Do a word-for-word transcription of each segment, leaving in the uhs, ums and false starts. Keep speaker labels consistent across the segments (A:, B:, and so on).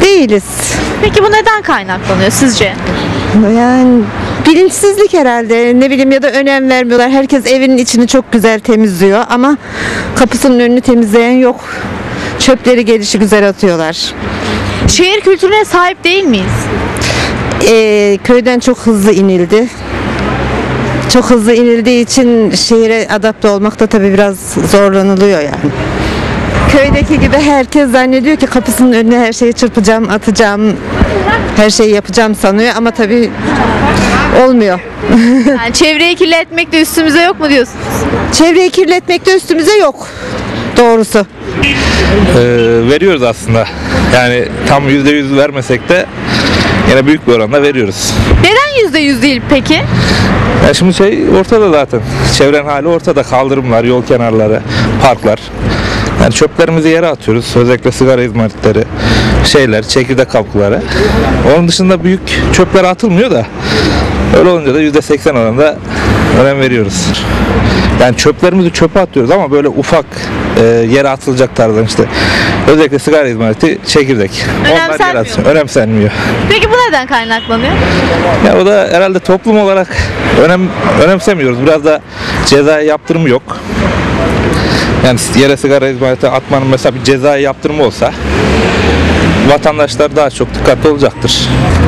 A: Değiliz.
B: Peki bu neden kaynaklanıyor sizce?
A: Yani bilinçsizlik herhalde, ne bileyim, ya da önem vermiyorlar. Herkes evinin içini çok güzel temizliyor ama kapısının önünü temizleyen yok. Çöpleri gelişi güzel atıyorlar.
B: Şehir kültürüne sahip değil miyiz?
A: Ee, köyden çok hızlı inildi. Çok hızlı inildiği için şehire adapte olmakta tabii biraz zorlanılıyor yani. Köydeki gibi herkes zannediyor ki kapısının önüne her şeyi çırpacağım, atacağım, her şeyi yapacağım sanıyor ama tabii olmuyor.
B: Yani çevreyi kirletmek de üstümüze yok mu diyorsunuz?
A: Çevreyi kirletmek de üstümüze yok. Doğrusu.
C: Ee, veriyoruz aslında. Yani tam yüzde yüz vermesek de yine büyük bir oranda veriyoruz.
B: Neden yüzde yüz değil peki?
C: Ya şimdi şey ortada zaten. Çevrenin hali ortada. Kaldırımlar, yol kenarları, parklar. Yani çöplerimizi yere atıyoruz. Özellikle sigara izmaritleri, şeyler, çekirdek kapları. Onun dışında büyük çöpler atılmıyor da öyle olunca da yüzde seksen oranında önem veriyoruz. Yani çöplerimizi çöpe atıyoruz ama böyle ufak e, yere atılacak tarzdan işte. Özellikle sigara izmariti, çekirdek. Onlar yere
B: Önemsenmiyor
C: atılıyor. Önemsenmiyor.
B: Peki bu neden kaynaklanıyor?
C: Ya o da herhalde toplum olarak önem önemsemiyoruz. Biraz da ceza yaptırımı yok. Yani yere sigara izmariti atmanın mesela bir ceza yaptırımı olsa vatandaşlar daha çok dikkatli olacaktır.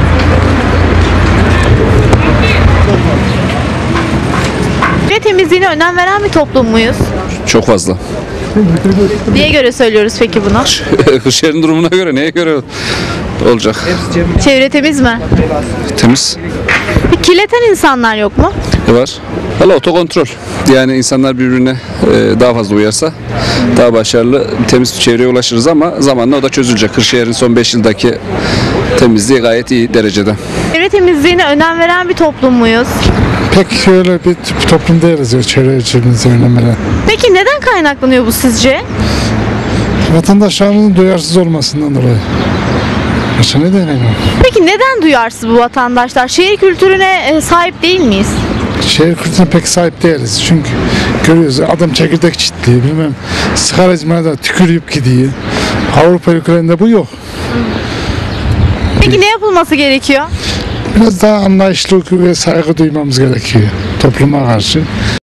B: Çevre temizliğine önem veren bir toplum muyuz?
D: Çok fazla.
B: Niye göre söylüyoruz peki bunu?
D: Kırşehir'in durumuna göre neye göre olacak?
B: Çevre temiz mi?
D: Temiz.
B: Peki kirleten insanlar yok mu?
D: Ne var? Valla otokontrol. Yani insanlar birbirine e, daha fazla uyarsa daha başarılı bir temiz bir çevreye ulaşırız ama zamanla o da çözülecek. Kırşehir'in son beş yıldaki temizliği gayet iyi derecede.
B: Çevre temizliğine önem veren bir toplum muyuz?
E: Pek öyle bir toplum değiliz ya, çevre içimizde önemli.
B: Peki neden kaynaklanıyor bu sizce?
E: Vatandaşlarımızın duyarsız olmasından dolayı. Başka ne diyeyim?
B: Peki neden duyarsız bu vatandaşlar? Şehir kültürüne e, sahip değil miyiz?
E: Şehir kültürüne pek sahip değiliz. Çünkü görüyoruz adam çekirdek çitliyor, bilmem sigara izmaride tükürüp gidiyor. Avrupa ülkelerinde bu yok.
B: Peki ne yapılması gerekiyor?
E: Biraz daha anlayışlı ve saygı duymamız gerekiyor topluma karşı.